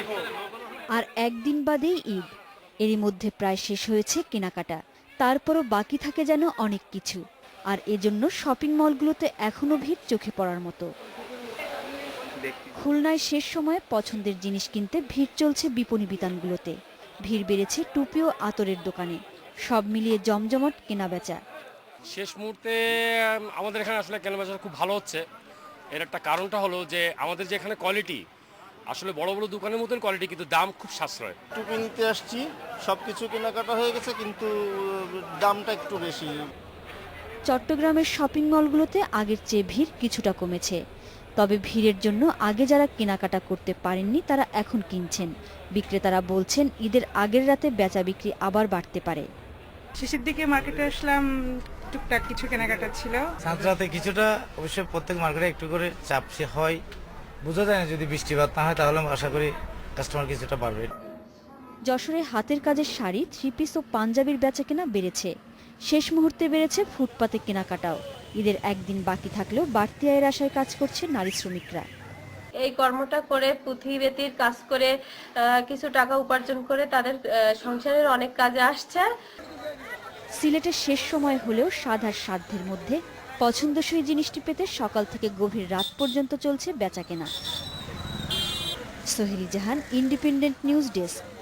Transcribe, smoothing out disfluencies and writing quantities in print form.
আর একদিন বাদেই ঈদ, এরই মধ্যে প্রায় শেষ হয়েছে কেনাকাটা। তারপরও বাকি থাকে যেন অনেক কিছু, আর এজন্য শপিং মলগুলোতে এখনো ভিড় চোখে পড়ার মতো। খুলনায় শেষ সময়ে পছন্দের জিনিস কিনতে ভিড় চলছে বিপণী বিতানগুলোতে। ভিড় বেড়েছে টুপি ও আতরের দোকানে। সব মিলিয়ে জমজমাট কেনাবেচা। শেষ মুহূর্তে আমাদের এখানে আসলে কেনাবেচা খুব ভালো হচ্ছে। এর একটা কারণটা হলো যে আমাদের যে এখানে কোয়ালিটি, আসলে বড় বড় দোকানের মতন কোয়ালিটি, কিন্তু দাম খুব সাশ্রয়। টুপি নিতে আসছি, সব কিছু কেনাকাটা হয়ে গেছে, কিন্তু দামটা একটু বেশি। চট্টগ্রামের শপিং মলগুলোতে আগের চেয়ে ভিড় কিছুটা কমেছে। তবে ভিড়ের জন্য আগে যারা কেনাকাটা করতে পারেননি তারা এখন কিনছেন। বিক্রেতারা বলছেন ঈদের আগের রাতে বেচা বিক্রি আবার বাড়তে পারে। শেষের দিকে মার্কেটে আসলাম, টুকটাক কিছু কেনাকাটা ছিল। সাঁতরাতে কিছুটা, অবশ্যই প্রত্যেক মার্কেটে একটু করে চাপ হয়। বোঝা যায় না, যদি বৃষ্টিপাত না হয় তাহলে আশা করি কাস্টমার কিছুটা বাড়বে। যশোরে হাতের কাজের শাড়ি, থ্রি পিস ও পাঞ্জাবির বেচাকেনা বেড়েছে। শেষ মুহূর্তে বেড়েছে ফুটপাতে কেনাকাটাও। ঈদের একদিন বাকি থাকলেও বাড়তি আয়ের আশায় কাজ করছে নারী শ্রমিকরা। এই কর্মটা করে পুঁথিবেতির কাজ করে কিছু টাকা উপার্জন করে তাদের সংসারের অনেক কাজে আসছে। সিলেটের শেষ সময় হলেও সাধার সাধ্যের মধ্যে পছন্দসই জিনিসটি পেতে সকাল থেকে গভীর রাত পর্যন্ত চলছে বেচাকেনা। Soheli Jahan, independent news desk.